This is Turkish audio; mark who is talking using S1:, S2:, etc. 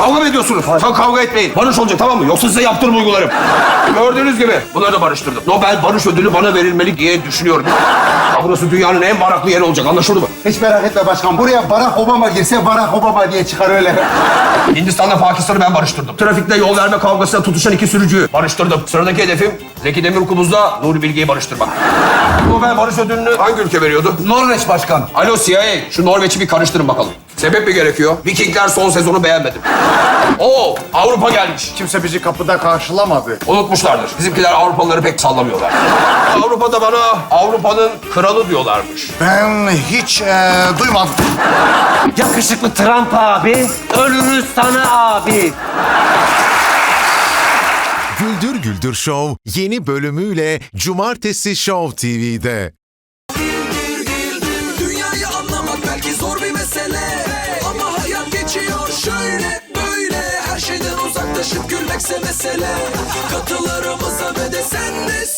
S1: Kavga mı ediyorsunuz? Sen kavga etmeyin. Barış olacak, tamam mı? Yoksa size yaptırım uygularım. Gördüğünüz gibi bunları da barıştırdım. Nobel Barış Ödülü bana verilmeli diye düşünüyorum. Ya burası dünyanın en baraklı yeri olacak, anlaşıldı mı?
S2: Hiç merak etme başkan. Buraya Barack Obama girse Barack Obama diye çıkar öyle.
S1: Hindistan'la Pakistan'ı ben barıştırdım. Trafikte yol verme kavgasına tutuşan 2 sürücüyü barıştırdım. Sıradaki hedefim Zeki Demirkubuz'la Nuri Bilge'yi barıştırmak. Nobel Barış Ödülünü hangi ülke veriyordu?
S2: Norveç başkan.
S1: Alo CIA, şu Norveç'i bir karıştırın bakalım. Sebep mi gerekiyor? Vikingler son sezonu beğenmedim. Oo, Avrupa gelmiş.
S3: Kimse bizi kapıda karşılamadı.
S1: Unutmuşlardır. Bizimkiler Avrupalıları pek sallamıyorlar. Avrupa'da bana Avrupa'nın kralı diyorlarmış.
S3: Ben hiç duymadım.
S4: Yakışıklı Trump abi, ölürüz sana abi.
S5: Güldür Güldür Show yeni bölümüyle Cumartesi Show TV'de.
S6: Dünyayı anlamak belki zor bir mesele, ama hayat geçiyor şöyle böyle. Her şeyden uzaklaşıp gülmekse mesele. Katılarımıza ve de sen de